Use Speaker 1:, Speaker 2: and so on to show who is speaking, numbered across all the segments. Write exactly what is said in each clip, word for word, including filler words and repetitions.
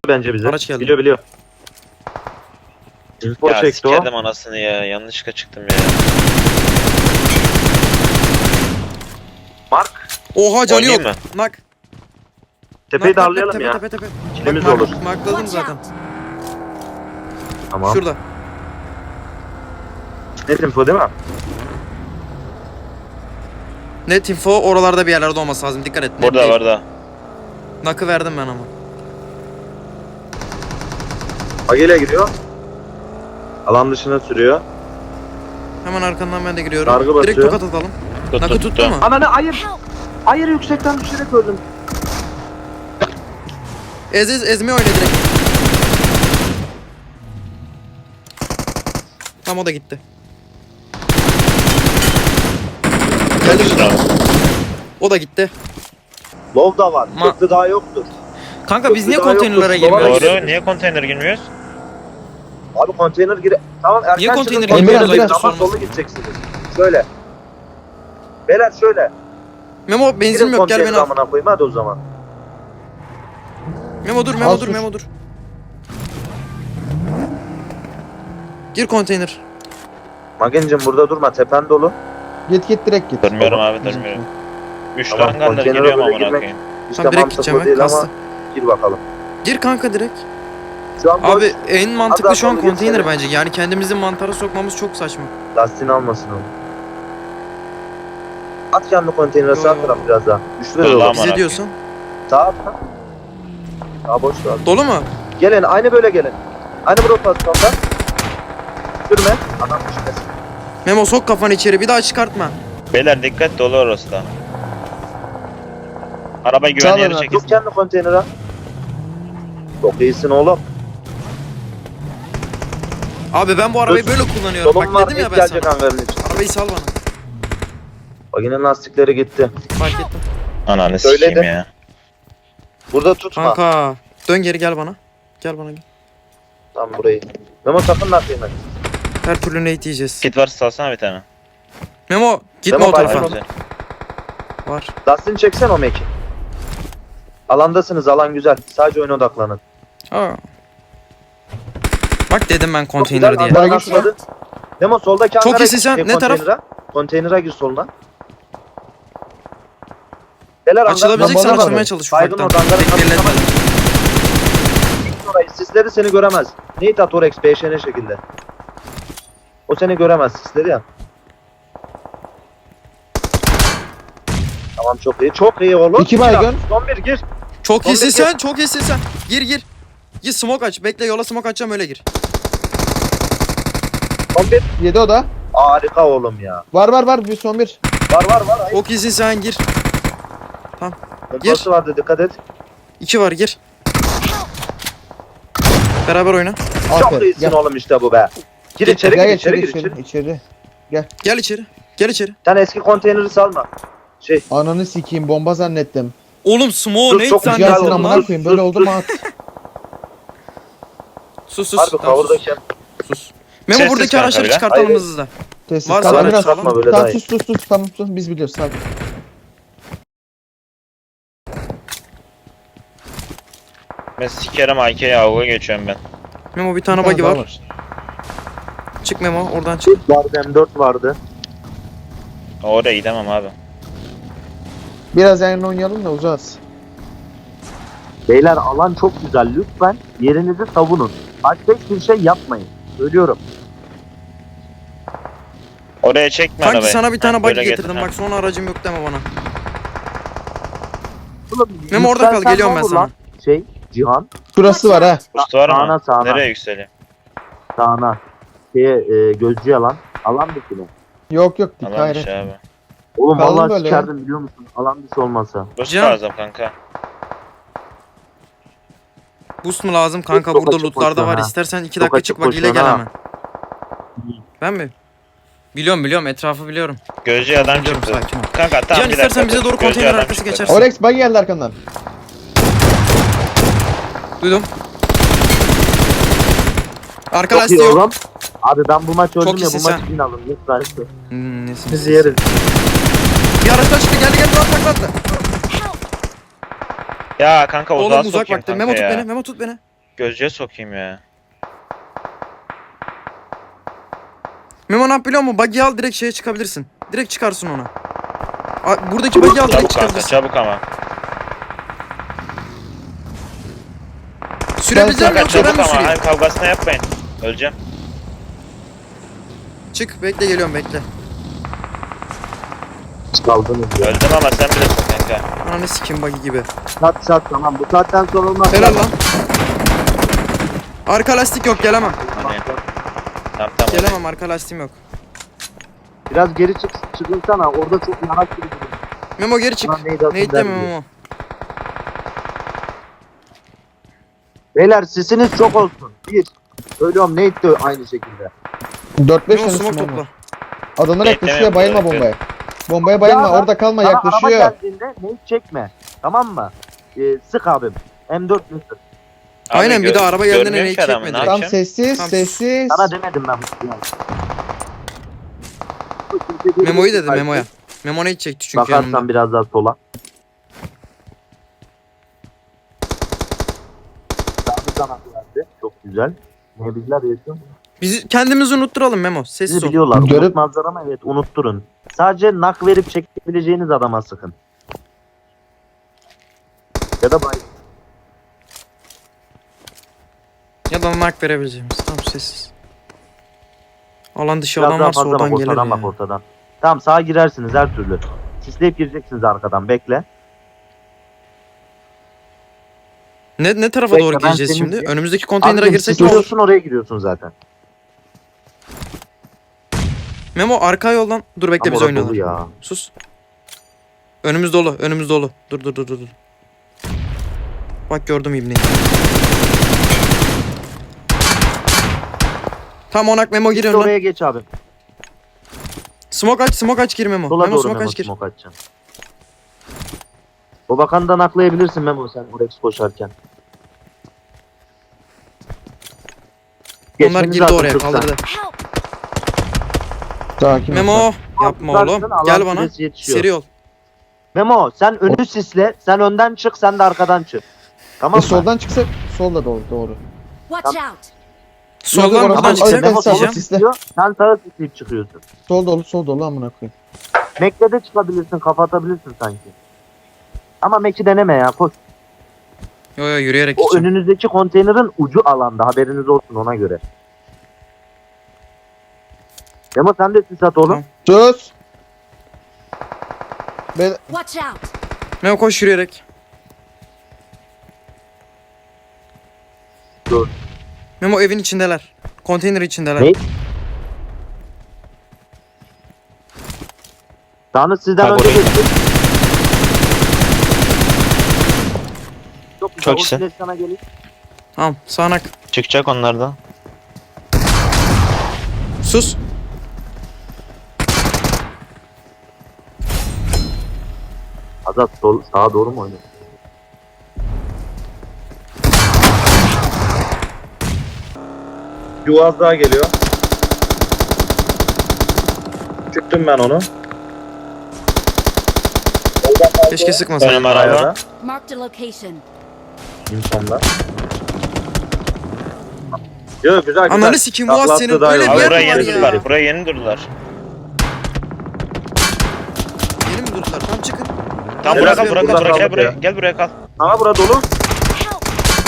Speaker 1: bence bize.
Speaker 2: Araç geldi.
Speaker 1: Biliyor biliyor. Info
Speaker 3: Ya
Speaker 1: çekti o.
Speaker 3: sikerim anasını ya. Yanlışlıkla çıktım ya.
Speaker 1: Mark.
Speaker 2: Oha canı yok.
Speaker 3: Oynayayım mı?
Speaker 2: Nak.
Speaker 1: Tepeyi
Speaker 2: Nak, nak,
Speaker 1: darlayalım
Speaker 2: tepe,
Speaker 1: ya.
Speaker 2: Tepe tepe tepe.
Speaker 1: Kilimiz
Speaker 2: Bak,
Speaker 1: olur.
Speaker 2: mark- Markladım zaten.
Speaker 1: Tamam.
Speaker 2: Şurada.
Speaker 1: Net info değil mi?
Speaker 2: Net info oralarda bir yerlerde olması lazım. Dikkat et. net
Speaker 3: Burada
Speaker 2: değil.
Speaker 3: var da.
Speaker 2: Nakı verdim ben ama.
Speaker 1: Agile giriyor. Alan dışına sürüyor.
Speaker 2: Hemen arkandan ben de giriyorum.
Speaker 1: Dargı
Speaker 2: Direkt
Speaker 1: basıyor.
Speaker 2: tokat atalım.
Speaker 3: Tut,
Speaker 2: Nakı
Speaker 3: tut,
Speaker 2: tuttu
Speaker 3: tut.
Speaker 2: mu?
Speaker 1: Ananı ayır. Ayır yüksekten düşerek öldüm.
Speaker 2: Ez ez ezme oyna direkt. Tam o da gitti. Geldi
Speaker 3: Bravo.
Speaker 2: o da gitti.
Speaker 1: Lov da var.
Speaker 2: Ma-
Speaker 1: Köprü daha yoktur.
Speaker 2: Kanka biz niye
Speaker 1: Daha yok,
Speaker 2: konteynerlara
Speaker 1: yok.
Speaker 2: girmiyoruz?
Speaker 3: Doğru. Niye konteyner girmiyoruz?
Speaker 1: Abi konteyner gire... Tamam erken
Speaker 2: Niye konteyner
Speaker 1: çıkın,
Speaker 2: girmiyoruz?
Speaker 1: konteyner
Speaker 2: Ayıptır
Speaker 1: ama
Speaker 2: sorması.
Speaker 1: solu gideceksiniz. Şöyle. Beyler şöyle.
Speaker 2: Memo benzin
Speaker 1: Girin
Speaker 2: yok gel beni
Speaker 1: konteyneri
Speaker 2: al.
Speaker 1: amına koyayım hadi o zaman.
Speaker 2: Memo dur Memo
Speaker 4: Al
Speaker 2: dur
Speaker 4: sus.
Speaker 2: Memo dur. Gir konteyner.
Speaker 1: Magencim burada durma tepen dolu.
Speaker 4: Git git direkt git.
Speaker 3: Durmuyorum
Speaker 1: Tamam.
Speaker 3: abi durmuyorum. Üç
Speaker 1: Tamam,
Speaker 3: tane gandır
Speaker 1: konteynere
Speaker 3: giriyorum
Speaker 1: böyle
Speaker 3: amına
Speaker 1: girmek-
Speaker 3: koyayım.
Speaker 1: İşte
Speaker 2: Tamam direkt
Speaker 1: mantıklı
Speaker 2: gideceğim
Speaker 1: değil
Speaker 2: ben
Speaker 1: ama
Speaker 2: kastı.
Speaker 1: gir bakalım.
Speaker 2: Gir kanka direkt.
Speaker 1: Şu an boş.
Speaker 2: Abi en mantıklı
Speaker 1: Az
Speaker 2: şu an
Speaker 1: daha sonra
Speaker 2: konteyner
Speaker 1: geçelim.
Speaker 2: bence. Yani kendimizi mantara sokmamız çok saçma.
Speaker 1: Lastiğini almasın onu. At kendi konteynere
Speaker 2: Yo,
Speaker 1: sağ
Speaker 2: yo.
Speaker 1: taraf biraz daha. Üçlü
Speaker 3: Dur
Speaker 1: de
Speaker 3: lan.
Speaker 1: olur.
Speaker 3: Aman
Speaker 2: Bize
Speaker 3: Allah'ım.
Speaker 2: diyorsun.
Speaker 1: Sağ at lan. Sağ boş ver.
Speaker 2: Dolu mu?
Speaker 1: Gelin aynı böyle gelin. Aynı bu rotasyonda. Sürme. Adam düşmesin.
Speaker 2: Memo sok kafanı içeri bir daha çıkartma.
Speaker 3: Beyler dikkat dolu orası da. Arabayı
Speaker 4: Sağ
Speaker 3: güvenli
Speaker 4: olun
Speaker 3: yere
Speaker 4: abi.
Speaker 3: çekin.
Speaker 1: Tut kendi konteynere. Çok iyisin oğlum.
Speaker 2: Abi ben bu arabayı
Speaker 1: Dur.
Speaker 2: böyle kullanıyorum.
Speaker 1: Solun
Speaker 2: Bak
Speaker 1: var
Speaker 2: dedim ya
Speaker 1: ilk
Speaker 2: ben
Speaker 1: gelecek
Speaker 2: sana.
Speaker 1: hangarın için.
Speaker 2: Arabayı sal bana.
Speaker 1: Bak yine lastikleri gitti.
Speaker 2: Fark ettim.
Speaker 3: Ananı
Speaker 1: Söyledim.
Speaker 3: sikeyim ya.
Speaker 1: Burada tutma.
Speaker 2: Kanka. Dön geri gel bana. Gel bana gel.
Speaker 1: Tam burayı. Memo sakın lastiğini.
Speaker 2: Her türlü nate yiyeceğiz.
Speaker 3: Kit varsa salsana bir tane.
Speaker 2: Memo gitme
Speaker 1: Memo,
Speaker 2: o tarafa.
Speaker 1: bak-
Speaker 3: Güzel.
Speaker 2: Var.
Speaker 1: Lastiğini çeksen o meki. Alandasınız alan güzel. Sadece oyuna odaklanın.
Speaker 2: Aa. Bak dedim ben
Speaker 1: Çok
Speaker 2: konteyner
Speaker 1: güzel,
Speaker 2: diye.
Speaker 1: hangar
Speaker 4: Watch
Speaker 1: atladı. Memo soldaki
Speaker 2: Çok
Speaker 1: hangara
Speaker 2: iyisin
Speaker 1: gir,
Speaker 2: sen.
Speaker 1: şey,
Speaker 2: Ne taraf?
Speaker 1: konteynere. Konteynere gir soluna. Beyler
Speaker 2: Açılabileceksen
Speaker 4: Bana bak.
Speaker 2: açılmaya çalış
Speaker 1: Baygın
Speaker 2: ufaktan.
Speaker 1: oradan, hangarın
Speaker 2: Bekleyelim.
Speaker 1: orayı. Sisleri seni göremez. Nate at Orex B Ş N şekilde. O seni göremez sisleri ya. Tamam çok iyi. Çok iyi oğlum.
Speaker 4: İki baygın.
Speaker 1: Son bir gir.
Speaker 2: Çok
Speaker 1: Son
Speaker 2: iyisin
Speaker 1: bir
Speaker 2: sen. Çok iyisin sen. Gir gir. Gir smoke aç. Bekle yola smoke açacağım öyle gir.
Speaker 1: Son bir.
Speaker 4: Yedi o da.
Speaker 1: Harika oğlum ya.
Speaker 4: Var var var bir son bir.
Speaker 1: Var var var. Hayır.
Speaker 2: Çok iyisin sen gir.
Speaker 1: Pompası vardı dikkat et.
Speaker 2: İki var gir. Beraber oyna.
Speaker 1: Çok
Speaker 4: Aferin.
Speaker 1: iyisin
Speaker 4: Gel.
Speaker 1: oğlum işte bu be. Gir
Speaker 2: Gel,
Speaker 1: içeri
Speaker 4: Gel
Speaker 1: gir
Speaker 4: içeri
Speaker 1: içeri gir içeri.
Speaker 4: içeri. içeri.
Speaker 2: Gel içeri. Gel içeri.
Speaker 1: Sen eski konteyneri salma. Şey
Speaker 4: Ananı sikeyim bomba zannettim.
Speaker 2: Oğlum smoke
Speaker 1: Dur,
Speaker 2: ne
Speaker 1: çok güzel
Speaker 4: Gelsin
Speaker 1: oldu
Speaker 2: zannettin
Speaker 4: amına
Speaker 2: lan?
Speaker 4: koyayım böyle oldu mu at.
Speaker 2: Sus sus.
Speaker 1: harbi
Speaker 2: Tamam, sus.
Speaker 1: kavurdayken.
Speaker 2: sus. Memo
Speaker 3: Sessiz
Speaker 2: buradaki
Speaker 3: kanka
Speaker 2: araçları
Speaker 3: bile.
Speaker 2: çıkartalım
Speaker 1: Hayır.
Speaker 2: hızlı.
Speaker 4: Sessiz
Speaker 2: Varsa
Speaker 4: kal
Speaker 2: araç
Speaker 4: biraz.
Speaker 2: salma,
Speaker 1: böyle
Speaker 4: Tamam
Speaker 1: daha iyi.
Speaker 4: sus sus sus tamam sus biz biliyoruz sakin.
Speaker 3: Ben sikerim A K'ye avuğa geçiyorum ben.
Speaker 2: Memo bir tane
Speaker 4: Bir tane
Speaker 2: buggy
Speaker 4: daha
Speaker 2: var. Çık Memo oradan çık.
Speaker 1: Vardı M dört vardı.
Speaker 3: Oraya gidemem abi.
Speaker 4: Biraz yanına oynayalım da uzağız.
Speaker 1: Beyler alan çok güzel. Lütfen yerinizi savunun. Başka hiçbir şey yapmayın. Söylüyorum.
Speaker 3: Oraya çekme
Speaker 2: Kanki
Speaker 3: arabayı.
Speaker 2: sana bir tane
Speaker 3: Ha,
Speaker 2: buggy
Speaker 3: böyle
Speaker 2: getirdim.
Speaker 3: getir, ha.
Speaker 2: Bak sonra aracım yok deme bana.
Speaker 1: Oğlum,
Speaker 2: Memo orada kal
Speaker 1: yükselsen
Speaker 2: geliyorum
Speaker 1: ne
Speaker 2: ben
Speaker 1: olur
Speaker 2: sana.
Speaker 1: lan? Şey Cihan.
Speaker 4: Şurası var ha.
Speaker 3: Boost var
Speaker 1: Sağına,
Speaker 3: mı?
Speaker 1: sağına.
Speaker 3: Nereye yükseliyor?
Speaker 1: Sağına. Şeye e, gözcü alan. Alan dışı mı?
Speaker 4: Yok yok dik
Speaker 3: Alan
Speaker 4: hayır.
Speaker 3: dışı abi.
Speaker 1: Oğlum
Speaker 4: Kalın
Speaker 1: vallahi
Speaker 4: böyle
Speaker 1: sikerdim biliyor musun? Alan dışı olmasa.
Speaker 3: Boost
Speaker 2: Cihan.
Speaker 3: lazım kanka.
Speaker 2: Boost mu lazım kanka
Speaker 1: Çok
Speaker 2: burada
Speaker 1: açık
Speaker 2: lootlarda
Speaker 1: koşuyor
Speaker 2: var.
Speaker 1: ha.
Speaker 2: İstersen iki
Speaker 1: Çok
Speaker 2: dakika
Speaker 1: açık
Speaker 2: çık buggy ile
Speaker 1: koşuyor
Speaker 2: gel
Speaker 1: ha.
Speaker 2: hemen. Ben mi? Biliyorum biliyorum etrafı biliyorum.
Speaker 3: Gözcü adam
Speaker 2: Biliyorum
Speaker 3: çıktı.
Speaker 2: sakin ol.
Speaker 3: Kanka tamam
Speaker 2: Cihan
Speaker 3: bir dakika.
Speaker 2: istersen bize
Speaker 3: dur.
Speaker 2: doğru
Speaker 3: Gözcü
Speaker 2: konteyner
Speaker 3: adam
Speaker 2: arkası
Speaker 3: çıktı.
Speaker 2: geçersin.
Speaker 4: Orex bug geldi arkandan.
Speaker 2: Duydum. Arka
Speaker 1: Çok iyi
Speaker 2: lastiği yok.
Speaker 1: oğlum. Abi ben bu maç öldüm ya
Speaker 2: iyisin
Speaker 1: bu maç
Speaker 2: sen.
Speaker 1: win alın. Lütfen.
Speaker 2: Hmm, nesin?
Speaker 1: Bizi yeriz.
Speaker 2: Bir araçtan çıktı geldi geldi rahat rahat rahat.
Speaker 3: Ya kanka uzağa
Speaker 2: Oğlum uzak
Speaker 3: sokayım
Speaker 2: baktı.
Speaker 3: kanka
Speaker 2: Memo tut
Speaker 3: ya.
Speaker 2: beni. Memo tut beni.
Speaker 3: gözcüye sokayım ya.
Speaker 2: Memo ne yap biliyor musun? Buggy'i al direkt şeye çıkabilirsin. Direkt çıkarsın ona. A- Buradaki buggy'i al direkt
Speaker 3: Çabuk kanka
Speaker 2: çıkabilirsin.
Speaker 3: çabuk ama.
Speaker 2: Sürebileceğim
Speaker 3: Kanka
Speaker 2: yoksa ben
Speaker 3: çabuk
Speaker 2: mi
Speaker 3: ama.
Speaker 2: süreyim?
Speaker 3: Hayır kavgasını yapmayın. Öleceğim.
Speaker 2: Çık bekle geliyorum bekle.
Speaker 1: Kaldınız ya.
Speaker 3: Öldüm ama sen bilirsin kanka.
Speaker 2: Ananı sikim buggy gibi.
Speaker 1: Sat sat tamam. Bu saatten sonra olmaz.
Speaker 2: Helal lan. Arka lastik yok gelemem.
Speaker 3: Hani. Tamam tamam.
Speaker 2: Gelemem arka lastiğim yok.
Speaker 1: Biraz geri çık, çıkınsana. Orada çok yanak gibi duruyor.
Speaker 2: Memo geri çık.
Speaker 1: Ulan neydi atın
Speaker 2: Neydi
Speaker 1: der
Speaker 2: deme
Speaker 1: diyor.
Speaker 2: Memo.
Speaker 1: Beyler sesiniz çok olsun. Bir. Söylüyorum Nate de aynı şekilde.
Speaker 4: dört beş
Speaker 2: Memo
Speaker 4: tane
Speaker 2: smoke
Speaker 4: smoke
Speaker 2: topla.
Speaker 4: var. Adamlar
Speaker 3: Bekleme
Speaker 4: yaklaşıyor, bayılma
Speaker 3: yapıyor,
Speaker 4: bombaya. Bombaya bayılma,
Speaker 1: Ya,
Speaker 4: orada kalma,
Speaker 1: Sana
Speaker 4: yaklaşıyor.
Speaker 1: araba geldiğinde Nate çekme. Tamam mı? Ee, sık abim. M dört Mısır.
Speaker 3: Abi
Speaker 2: Aynen bir
Speaker 3: gö-
Speaker 2: de araba geldiğinde
Speaker 3: görmüyorum
Speaker 2: neyi
Speaker 3: ki adamı,
Speaker 2: çekmedi.
Speaker 3: ne
Speaker 4: Tam
Speaker 3: yapacağım?
Speaker 4: sessiz,
Speaker 2: Tamam.
Speaker 4: sessiz.
Speaker 1: Sana demedim ben bu yani.
Speaker 2: Memo'yu dedi Memo'ya. Memo ne çekti çünkü
Speaker 1: Bakarsan
Speaker 2: yanımda.
Speaker 1: biraz daha sola. Sağlı kanat verdi. Çok güzel. Ne bizler yaşıyor?
Speaker 2: Biz kendimizi unutturalım Memo.
Speaker 1: Sizi
Speaker 2: Sessiz ol.
Speaker 1: biliyorlar.
Speaker 4: Görüp-
Speaker 1: Unutmazlar ama evet unutturun. Sadece nak verip çekebileceğiniz adama sıkın. Ya da bay.
Speaker 2: Ya da mark verebileceğimiz. Tamam sessiz. Alan dışı
Speaker 1: Biraz
Speaker 2: adam
Speaker 1: daha
Speaker 2: varsa
Speaker 1: fazla bak
Speaker 2: oradan gelir
Speaker 1: ortadan
Speaker 2: ya.
Speaker 1: bak ortadan. Tamam sağa girersiniz her türlü. Sisleyip gireceksiniz arkadan bekle.
Speaker 2: Ne ne tarafa
Speaker 1: Bekle,
Speaker 2: doğru
Speaker 1: ben
Speaker 2: gireceğiz
Speaker 1: senin-
Speaker 2: şimdi? Önümüzdeki konteynere
Speaker 1: Abicim,
Speaker 2: girsek
Speaker 1: siz
Speaker 2: ne olur?
Speaker 1: giriyorsun oraya giriyorsun zaten.
Speaker 2: Memo arka yoldan. Dur bekle
Speaker 1: Ama
Speaker 2: biz
Speaker 1: orası
Speaker 2: oynayalım.
Speaker 1: dolu ya.
Speaker 2: Sus. Önümüz dolu. Önümüz dolu. Dur dur dur dur. dur. Bak gördüm ibneyi. Tam onak Memo
Speaker 1: Git
Speaker 2: giriyorum lan.
Speaker 1: oraya geç abi.
Speaker 2: Smoke aç, smoke aç gir Memo.
Speaker 1: Sola
Speaker 2: Memo
Speaker 1: doğru
Speaker 2: smoke
Speaker 1: Memo
Speaker 2: aç gir.
Speaker 1: smoke açacaksın. O bakandan aklayabilirsin Memo sen Orex koşarken.
Speaker 2: Onlar
Speaker 1: Geçmeniz
Speaker 2: girdi
Speaker 1: lazım
Speaker 2: oraya
Speaker 1: kırktan.
Speaker 2: kaldırdı.
Speaker 5: Help!
Speaker 4: Sakin ol.
Speaker 2: Memo yapma
Speaker 1: Tutarsın,
Speaker 2: oğlum.
Speaker 1: alan
Speaker 2: Gel bana.
Speaker 1: süresi yetişiyor.
Speaker 2: Seri ol.
Speaker 1: Memo sen önü sisle. Sen önden çık sen de arkadan çık. Tamam
Speaker 4: E,
Speaker 1: mı?
Speaker 4: soldan çıksak, solda doğru, doğru.
Speaker 5: Watch out!
Speaker 2: Soldan
Speaker 4: Yok,
Speaker 2: buradan
Speaker 4: oradan-
Speaker 2: çıkacak.
Speaker 4: oradan
Speaker 1: Memo
Speaker 4: sağ-
Speaker 1: solu
Speaker 2: Diyeceğim.
Speaker 4: sisle.
Speaker 1: sisliyor. Sen sağa sisleyip çıkıyorsun.
Speaker 4: Sol dolu, sol dolu amına koyayım.
Speaker 1: Mac'le de çıkabilirsin kapatabilirsin sanki. Ama Mac'i deneme ya koş.
Speaker 2: Yo yo yürüyerek
Speaker 1: O
Speaker 2: gideceğim.
Speaker 1: önünüzdeki konteynerin ucu alanda haberiniz olsun ona göre. Memo sen de sis at oğlum.
Speaker 2: Tamam.
Speaker 4: Sus. Ben
Speaker 5: Watch out!
Speaker 2: Memo koş yürüyerek.
Speaker 1: Dur.
Speaker 2: Memo evin içindeler. Konteyner içindeler.
Speaker 1: Ne? Tanrı sizden
Speaker 3: Bak
Speaker 1: önce
Speaker 3: oraya.
Speaker 1: geçti. Çok güzel.
Speaker 3: Çok
Speaker 1: o
Speaker 3: güzel.
Speaker 1: silah sana gelir.
Speaker 2: Tamam sağanak.
Speaker 3: Çıkacak onlardan.
Speaker 2: Sus.
Speaker 1: Azat sol, sağa doğru mu oynuyor? Yuvaz daha geliyor. Çıktım ben onu.
Speaker 2: Keşke sıkmasaydın.
Speaker 3: Önüm araba.
Speaker 1: Ayada.
Speaker 5: Marked a location.
Speaker 1: İnsanlar. Yo güzel güzel.
Speaker 2: Ananı sikeyim, bu az
Speaker 1: Taklattı
Speaker 2: senin
Speaker 1: daha
Speaker 2: öyle
Speaker 1: iyi.
Speaker 2: bir
Speaker 3: Abi
Speaker 2: yer
Speaker 3: buraya
Speaker 2: mi var
Speaker 3: yeni
Speaker 2: ya?
Speaker 3: durdular. Buraya yeni durdular.
Speaker 2: Yeni mi durdular? Tamam çıkın.
Speaker 3: Tam
Speaker 1: Biraz
Speaker 3: buraya kal,
Speaker 1: bir
Speaker 3: buraya kal,
Speaker 1: burada
Speaker 3: buraya gel
Speaker 1: kaldık
Speaker 3: buraya.
Speaker 1: ya.
Speaker 3: Gel buraya kal.
Speaker 1: Aha bura dolu.
Speaker 5: Help!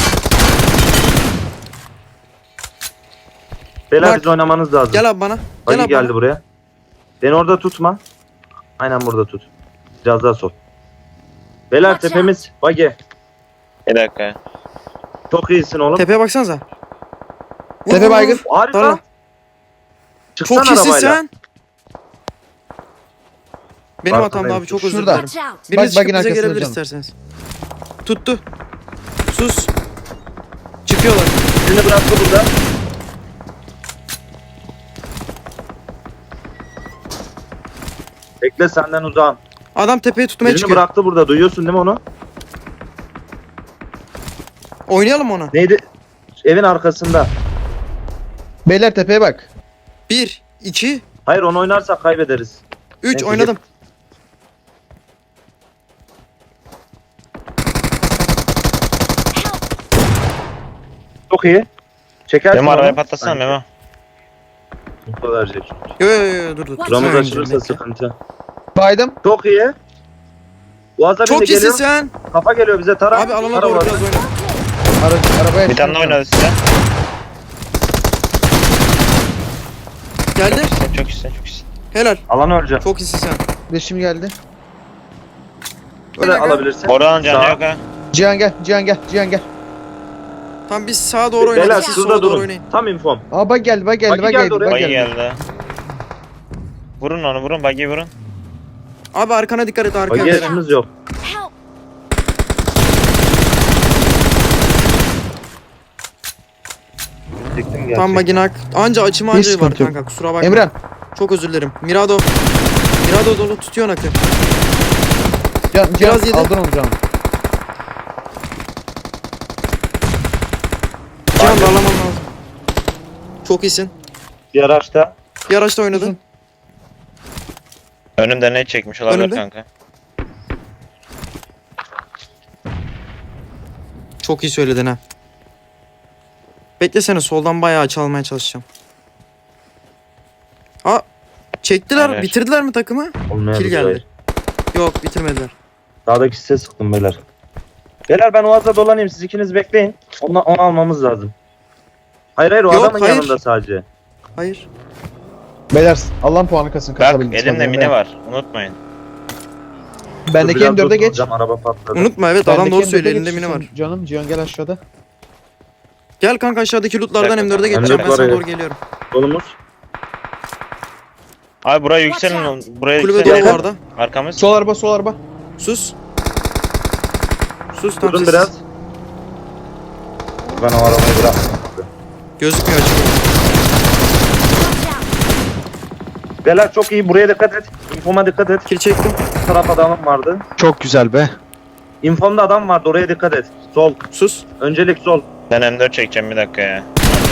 Speaker 1: Beyler
Speaker 2: Bak.
Speaker 1: biz oynamanız lazım.
Speaker 2: Gel abi bana. Gel
Speaker 1: Bagi
Speaker 2: abi
Speaker 1: geldi
Speaker 2: bana.
Speaker 1: buraya. Beni orada tutma. Aynen burada tut. Biraz daha sol. Beyler
Speaker 5: Watch
Speaker 1: tepemiz. Bagi.
Speaker 3: Bir dakika.
Speaker 1: Çok iyisin oğlum.
Speaker 2: Tepeye baksanıza. Vur,
Speaker 4: Tepe
Speaker 2: vur,
Speaker 4: baygın.
Speaker 2: vur.
Speaker 1: Harika.
Speaker 2: Darla.
Speaker 1: Çıksana
Speaker 2: Çok iyisin
Speaker 1: arabayla.
Speaker 2: sen. Benim
Speaker 1: Farkındayım.
Speaker 2: hatamdı abi çok özür
Speaker 4: Şurada.
Speaker 2: dilerim.
Speaker 5: Watch out!
Speaker 2: Biriniz
Speaker 4: Bak,
Speaker 2: çıkıp
Speaker 4: bagin
Speaker 2: bize
Speaker 4: arkasında
Speaker 2: gelebilir
Speaker 4: canım.
Speaker 2: isterseniz. Tuttu. Sus. Çıkıyorlar.
Speaker 1: Birini bıraktı burada. Bekle senden uzağım.
Speaker 2: Adam tepeye tutmaya
Speaker 1: Birini
Speaker 2: çıkıyor.
Speaker 1: bıraktı burada. Duyuyorsun değil mi onu?
Speaker 2: Oynayalım onu.
Speaker 1: Neydi? Evin arkasında.
Speaker 4: beyler tepeye bak.
Speaker 2: Bir, iki,
Speaker 1: Hayır onu oynarsak kaybederiz.
Speaker 2: üç
Speaker 1: Neyse,
Speaker 2: oynadım.
Speaker 1: Çok iyi. Çekersin
Speaker 3: Memo arabayı
Speaker 1: onu.
Speaker 3: patlatsana
Speaker 1: Sanki.
Speaker 3: Memo.
Speaker 1: Info verecek.
Speaker 2: Yo yo yo dur dur.
Speaker 1: Buramız
Speaker 2: Sen
Speaker 1: açılırsa
Speaker 2: bekle.
Speaker 1: sıkıntı.
Speaker 4: Baydım.
Speaker 1: Çok iyi. Boğaz'a
Speaker 2: Çok
Speaker 1: bindi
Speaker 2: iyisin
Speaker 1: geliyor.
Speaker 2: sen.
Speaker 1: Kafa geliyor bize. Tara.
Speaker 2: Abi alana
Speaker 1: Tara
Speaker 2: doğru
Speaker 1: Boğaz'a.
Speaker 2: biraz oyna.
Speaker 4: Ara, arabaya
Speaker 3: Bir tane daha
Speaker 4: çıkıyorum.
Speaker 3: oynadı size.
Speaker 2: Geldi.
Speaker 3: Sen çok iyisin çok iyisin.
Speaker 2: Helal.
Speaker 1: Alan öleceğim.
Speaker 2: Çok iyisin sen.
Speaker 4: Leşim geldi.
Speaker 1: Böyle
Speaker 2: Helal.
Speaker 1: alabilirsin.
Speaker 3: Oradan canı
Speaker 1: Sağ.
Speaker 3: yok ha.
Speaker 4: Cihan gel. Cihan gel. Cihan gel.
Speaker 2: Tamam biz sağa doğru
Speaker 1: Beyler
Speaker 2: oynayalım. Siz
Speaker 1: şurada
Speaker 2: sola doğru
Speaker 1: durun.
Speaker 2: oynayın.
Speaker 1: Tam infom.
Speaker 4: Aa bak geldi bak geldi
Speaker 1: Bagi
Speaker 4: bak
Speaker 1: geldi
Speaker 4: geldi
Speaker 1: oraya.
Speaker 4: bak
Speaker 3: Bagi
Speaker 4: geldi.
Speaker 3: geldi. Vurun onu vurun bagi vurun.
Speaker 2: Abi arkana dikkat et arkaya.
Speaker 1: Bagi
Speaker 2: Eren.
Speaker 1: yaşımız yok.
Speaker 5: Help!
Speaker 1: Diktim gerçekten.
Speaker 2: Tam baginak. Anca açım
Speaker 4: Hiç
Speaker 2: anca var
Speaker 4: sıkıntı yok.
Speaker 2: kanka kusura bakma.
Speaker 4: Emran.
Speaker 2: Çok özür dilerim. Mirado. Mirado dolu tutuyor nakı.
Speaker 4: Can, Cihan
Speaker 2: Biraz yedi.
Speaker 4: aldın onu canım.
Speaker 2: Cihan darlaman lazım. Çok iyisin.
Speaker 1: Bir araçta.
Speaker 2: Bir araçta oynadın.
Speaker 4: Uzun.
Speaker 3: Önümde ne çekmiş olabilir
Speaker 2: Önümde.
Speaker 3: kanka.
Speaker 2: Çok iyi söyledin ha. Beklesene soldan bayağı çalmaya çalışacağım. Aa çektiler.
Speaker 3: Helal.
Speaker 2: Bitirdiler mi takımı?
Speaker 1: Olmayabilir.
Speaker 2: Kill geldi. Yok bitirmediler.
Speaker 1: Sağdaki size sıktım beyler. Beyler ben Oğaz'da dolanayım. Siz ikiniz bekleyin. Onu, onu almamız lazım. Hayır hayır o
Speaker 2: Yok,
Speaker 1: adamın
Speaker 2: hayır.
Speaker 1: yanında sadece.
Speaker 2: Hayır.
Speaker 4: Beyler Allah'ın puanı kasın
Speaker 3: Bak
Speaker 4: kasabildiğiniz
Speaker 3: elimde
Speaker 4: kadar.
Speaker 3: mini var unutmayın.
Speaker 4: Bendeki
Speaker 1: Dur,
Speaker 4: M
Speaker 1: biraz
Speaker 4: dörde
Speaker 1: dur,
Speaker 4: geç.
Speaker 1: Cam araba patladı.
Speaker 2: Unutma evet adam
Speaker 4: Bendeki
Speaker 2: doğru
Speaker 4: M dörde
Speaker 2: söylüyor
Speaker 4: geç,
Speaker 2: elinde mini var.
Speaker 4: Canım Cihan gel aşağıda.
Speaker 2: Gel kanka aşağıdaki lootlardan
Speaker 3: Bir dakika,
Speaker 2: M dörde
Speaker 3: tamam.
Speaker 2: geçeceğim
Speaker 1: M
Speaker 2: ben
Speaker 1: dört
Speaker 2: sana
Speaker 1: var,
Speaker 2: doğru
Speaker 1: evet.
Speaker 2: geliyorum.
Speaker 1: Solumuz.
Speaker 3: Abi buraya
Speaker 5: Watch
Speaker 3: yükselin.
Speaker 5: out.
Speaker 3: Buraya
Speaker 2: Kulübe
Speaker 3: yükselin.
Speaker 2: dolu bu arada.
Speaker 3: Arkamız.
Speaker 4: Sol araba sol araba.
Speaker 2: Sus. Sus tam
Speaker 1: Durun
Speaker 2: sessiz.
Speaker 1: biraz. Ben o arabayı bırakmam.
Speaker 2: Gözükmüyor açık.
Speaker 5: Watch out!
Speaker 1: Beyler çok iyi. Buraya dikkat et. Infoma dikkat et.
Speaker 2: Kill çektim.
Speaker 1: Bu taraf adamım vardı.
Speaker 4: Çok güzel be.
Speaker 1: Infomda adam vardı. Oraya dikkat et. Sol.
Speaker 2: Sus.
Speaker 1: Öncelik sol.
Speaker 3: Ben M dört çekeceğim bir dakika ya.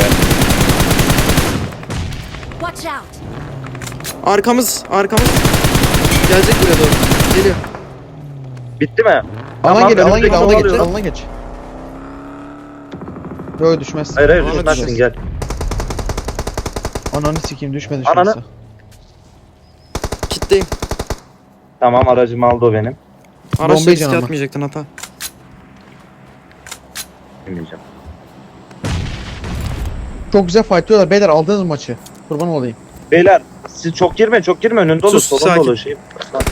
Speaker 5: Watch out!
Speaker 2: Arkamız arkamız. Gelecek buraya doğru. Geliyor.
Speaker 1: Bitti mi?
Speaker 4: Alan
Speaker 1: Tamam,
Speaker 4: gel alan
Speaker 1: önümüzdeki
Speaker 4: geç alana
Speaker 1: yolu
Speaker 4: geç
Speaker 1: alıyorum.
Speaker 4: alana geç. Böyle düşmez.
Speaker 1: Hayır hayır
Speaker 2: Alana
Speaker 1: düşmezsin
Speaker 2: düşeceğiz.
Speaker 1: gel.
Speaker 4: Ananı sikeyim düşme
Speaker 1: Ananı-
Speaker 4: düşmezse.
Speaker 2: Kitleyim.
Speaker 1: Tamam aracımı aldı o benim.
Speaker 2: Araçla
Speaker 4: Bombayı
Speaker 2: riske
Speaker 4: canım.
Speaker 2: atmayacaktın hata.
Speaker 1: Bilmeyeceğim.
Speaker 4: Çok güzel fightlıyorlar beyler aldınız maçı. Kurban olayım.
Speaker 1: Beyler siz çok girme çok girme önün dolu
Speaker 2: Sus,
Speaker 1: solun
Speaker 2: sakin.
Speaker 1: dolu şey.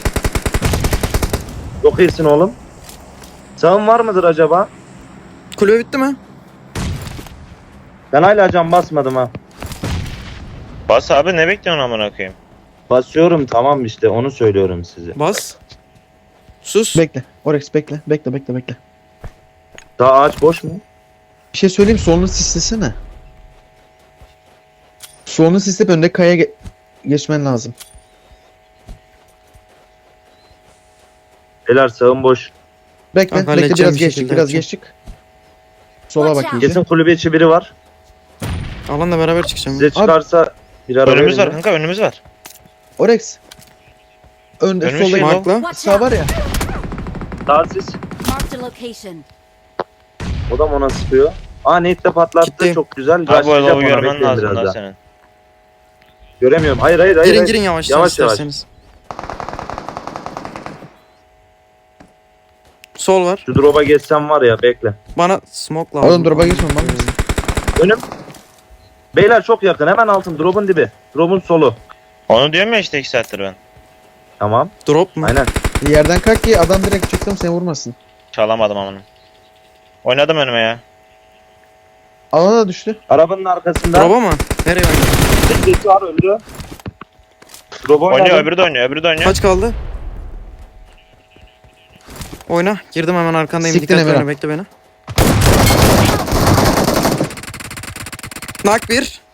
Speaker 1: Çok iyisin oğlum. Sağın var mıdır acaba?
Speaker 2: Kulübe bitti mi?
Speaker 1: Ben hala cam basmadım ha.
Speaker 3: Bas abi ne bekliyorsun amına koyayım?
Speaker 1: Basıyorum tamam işte onu söylüyorum size.
Speaker 2: Bas. Sus.
Speaker 4: Bekle. Orex bekle. Bekle bekle bekle.
Speaker 1: Daha ağaç boş mu?
Speaker 4: Bir şey söyleyeyim solunu sislesene. Solunu sisleyip önde kaya ge- geçmen lazım.
Speaker 1: Beyler sağın boş.
Speaker 4: Bekle
Speaker 2: Kanka,
Speaker 4: bekle
Speaker 2: halledeceğim
Speaker 4: biraz
Speaker 2: bir
Speaker 4: geçtik
Speaker 2: şekilde
Speaker 4: biraz
Speaker 2: yapacağım.
Speaker 4: geçtik. Sola
Speaker 5: Watch
Speaker 4: bak
Speaker 5: out.
Speaker 4: iyice.
Speaker 1: Kesin kulübe içi biri var.
Speaker 2: Alanla beraber çıkacağım.
Speaker 1: Size çıkarsa bir araba
Speaker 3: Önümüz var
Speaker 1: verin.
Speaker 3: kanka önümüz var.
Speaker 4: Orex. Önde
Speaker 3: Önümüz
Speaker 4: solda
Speaker 3: şey
Speaker 4: git.
Speaker 3: lan.
Speaker 2: Markla.
Speaker 5: Watch
Speaker 4: Sağ
Speaker 5: out!
Speaker 4: var ya.
Speaker 1: Daha siz.
Speaker 5: Marked a location.
Speaker 1: O da ona sıkıyor. Aa Nate'de patlattı
Speaker 2: Gitti.
Speaker 1: çok güzel.
Speaker 3: Abi bu
Speaker 1: Başlayacak
Speaker 3: adamı
Speaker 1: ona,
Speaker 3: görmen
Speaker 1: bekleyin
Speaker 3: lazım
Speaker 1: biraz
Speaker 3: daha
Speaker 1: daha.
Speaker 3: senin.
Speaker 1: Göremiyorum. Hayır hayır hayır.
Speaker 2: Girin
Speaker 1: hayır.
Speaker 2: girin yavaş
Speaker 1: Yavaş, yavaş.
Speaker 2: isterseniz. Sol var.
Speaker 1: Şu drop'a geçsem var ya bekle.
Speaker 2: Bana smoke lazım.
Speaker 4: Oğlum drop'a geçme, bana.
Speaker 1: Önüm. Beyler çok yakın hemen altın drop'un dibi. Drop'un solu.
Speaker 3: Onu diyorum ya işte iki saattir ben.
Speaker 1: Tamam.
Speaker 2: Drop mu?
Speaker 1: Aynen.
Speaker 4: Yerden kalk ki adam direkt çıktım seni vurmasın.
Speaker 3: Çalamadım amına. Oynadım önüme ya.
Speaker 4: Alana da düştü.
Speaker 1: Arabanın arkasında.
Speaker 2: Drop'a mı? Nereye oynadın?
Speaker 1: Birisi var öldü. Drop'a
Speaker 3: Oynuyor
Speaker 1: oynadım.
Speaker 3: öbürü de oynuyor öbürü de oynuyor.
Speaker 2: Kaç kaldı? Oyna. Girdim hemen arkandayım.
Speaker 4: Siktin
Speaker 2: Dikkat
Speaker 4: Emirhan.
Speaker 2: oyna bekle beni. Nak bir.